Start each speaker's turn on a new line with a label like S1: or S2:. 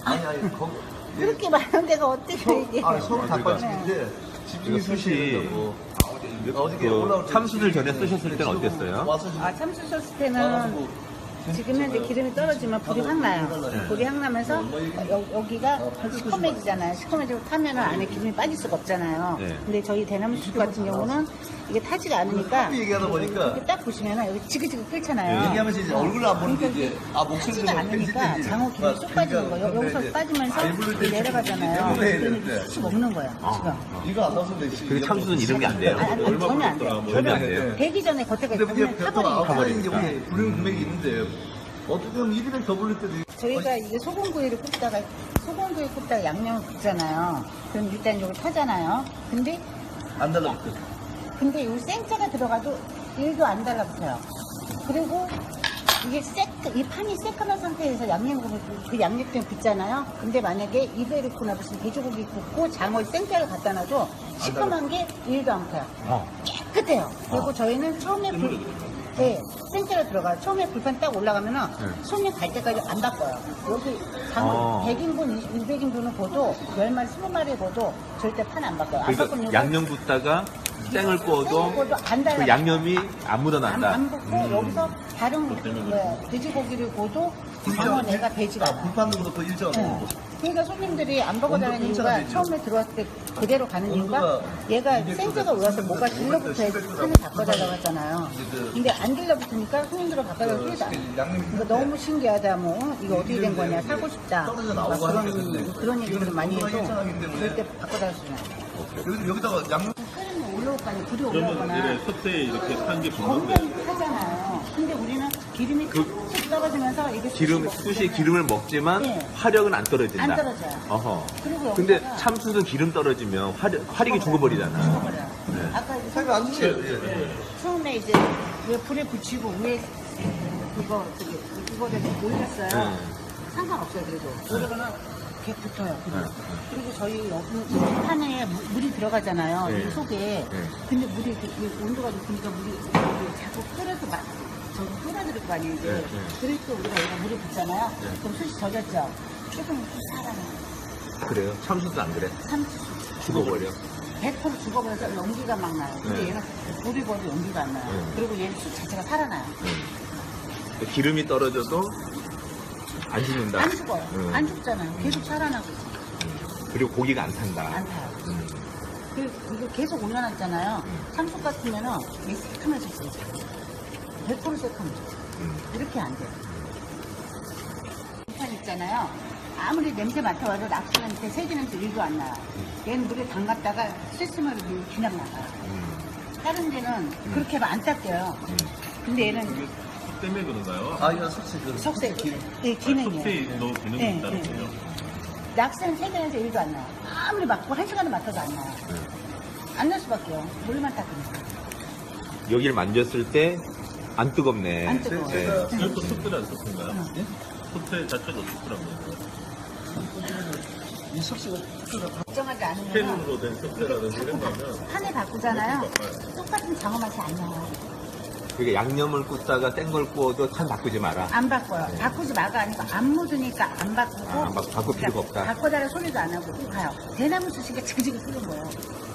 S1: 아니,
S2: 그렇게 많은 데가 어떻게 이게.
S1: 서로 닭발집인데 집중이
S3: 숯이
S1: 어저께 올라올 때
S3: 참숯을 전에 쓰셨을 때는 어땠어요?
S1: 와서 지금
S2: 참수 썼을 때는 지금 현재 기름이 떨어지면 불이 확 나요. 불이 확 나면서 여기가 시커매지잖아요. 시커매지고 타면은 안에 기름이 빠질 수가 없잖아요.
S3: 네.
S2: 근데 저희 대나무 숯 같은 경우는 이게 타지가 않으니까
S1: 커피 얘기하다 보니까
S2: 이렇게 딱 보시면은 여기 지그지그 끓잖아요.
S1: 얘기하면서 이제 얼굴을 안 보는데 이제
S2: 타지가 않으니까 장어 기름이 쏙 빠지는 거예요. 여기서 빠지면서 내려가잖아요. 그러면 쑥 먹는 거예요. 지금.
S1: 이거 안 나왔으면 되지.
S3: 근데 참숯은 이름이 안 돼요.
S2: 아니, 전혀 안 돼요.
S3: 전혀 안 돼요.
S2: 되기 전에 겉에가
S1: 근데 그게
S2: 있으면 타버리니까.
S1: 타버리니까 이제 우리 불륜 금액이 있는데 어떻게 보면 1인에 더 불릴 때도
S2: 저희가 이게 소금구이를 소금구이 굽다가 양념을 굽잖아요. 그럼 일단 이걸 타잖아요.
S1: 안 달라붙어.
S2: 근데 이 생짜가 들어가도 1도 안 달라붙어요. 그리고 이게 이 판이 새까만 상태에서 그 양념 때문에 굽잖아요. 근데 만약에 입에 넣거나 무슨 돼지고기 굽고 장어 생짜를 갖다 놔도 시커먼 게 1도 안 펴요. 깨끗해요. 그리고 저희는 처음에 생짜가 들어가요. 처음에 불판 딱 올라가면은 손님 갈 때까지 안 바꿔요. 여기 장어 100인분, 200인분은 보도 10마리, 20마리 보도 절대 판 안 바꿔요. 안 바꾸면
S3: 그러니까 양념 붓다가 땡을 구워도
S2: 안 달라요.
S3: 그 양념이 안 묻어난다.
S2: 안 붓고 여기서 다른 돼지고기를 구워도 장어 내가 되지가 않아요.
S1: 불판도 그렇고 일정.
S2: 그러니까 손님들이 안 먹어다니는 이유가
S1: 온도
S2: 처음에 들어왔을 때 그대로 가는 이유가
S1: 온도가
S2: 얘가
S1: 200
S2: 생제가 올라서 뭐가 들러붙어야지 판을 바꿔달라고 하잖아요. 근데 안 들러붙으니까 손님들은 바꿔달라고 소리도 안 해요. 이거 너무 신기하다 뭐 이거 어떻게 된 거냐 사고 싶다 막 그런 얘기를 많이 해도 절대 바꿔달라고 소리 안 해요.
S1: 여기다가 양념
S2: 끓으면 올라올 거 아니에요. 불이
S4: 그러면
S2: 올라오거나
S4: 이래 솥에 이렇게 탄 게 붙는데
S2: 굉장히 하잖아요. 근데 우리는 기름이 툭툭 떨어지면서 이게
S3: 숯이 기름을 먹지만
S2: 네.
S3: 화력은 안 떨어진다.
S2: 안 떨어져요.
S3: 어허.
S2: 그리고
S3: 근데
S2: 여기다가
S3: 참숯은 기름 떨어지면 화력이 죽어버리잖아.
S2: 죽어버려요. 아까 이제
S1: 살이 안 주세요.
S2: 처음에 이제 왜 불에 붙이고 위에 그거를 올렸어요. 상관없어요 그래도. 그러면은 이렇게 붙어요. 그리고 저희 여기 판에 물이 들어가잖아요.
S3: 네.
S2: 이 속에.
S3: 네.
S2: 근데 물이 이렇게 온도가 높으니까 물이 자꾸 끓여서 저기 끓여들을 거 아니에요. 이제.
S3: 네.
S2: 그럴 때 우리가 여기 물이 붙잖아요. 그럼 숯이 젖었죠. 조금 살아나요.
S3: 그래요? 참숯은 안 그래?
S2: 참치
S3: 죽어버려.
S2: 100% 죽어버려서 연기가 막 나요. 근데
S3: 네.
S2: 얘는 불이 버도 연기가 안 나요.
S3: 네.
S2: 그리고 얘는 숯 자체가 살아나요.
S3: 기름이 떨어져도 안 죽는다.
S2: 안 죽어요.
S3: 음.
S2: 안 죽잖아요. 계속 살아나고 있어요.
S3: 그리고 고기가 안 탄다.
S2: 안 타요. 이거 계속 올려놨잖아요. 참숯 같으면은 이 새카매져 있어요. 100% 새카매져. 이렇게 안 돼요. 불판 있잖아요. 아무리 냄새 맡아와도 낙수 냄새, 세제 냄새 1도 안 나요. 얘는 물에 담갔다가 쓸쓸하게 그냥 나가요. 다른 데는 그렇게 하면 안 닦여요. 근데 얘는
S4: 숯 때문에 그런가요?
S1: 이거 솔직히 그
S2: 석쇠,
S4: 솥에
S2: 기능이에요.
S4: 너 기능이
S2: 네,
S4: 있다는
S2: 네.
S4: 거예요?
S2: 낙서는 세제 냄새 1도 안 나요. 아무리 맡고 1시간을 맡아도 안 나요. 안 날 수밖에요. 물만 닦으니까.
S3: 여기를 만졌을 때 안 뜨겁네.
S2: 안 뜨거워요.
S3: 네.
S4: 이것도 숯불이 숯인가요? 솥에 자체가 숯불한 거예요?
S1: 이 섭씨가
S2: 걱정하지 않으면
S4: 팬으로 된 솥이라든지 이런 거 하면
S2: 판에 바꾸잖아요. 똑같은 장어 맛이 안 나요.
S3: 그러니까 양념을 굽다가 생 걸 구워도 참 바꾸지 마라.
S2: 안 바꿔요. 바꾸지 마가 아니고 안 묻으니까 안 바꾸고.
S3: 바꿀 필요가 없다.
S2: 바꿔달라 소리도 안 하고 쭉 가요. 대나무 숯이니까 지그지그 끓는 거예요.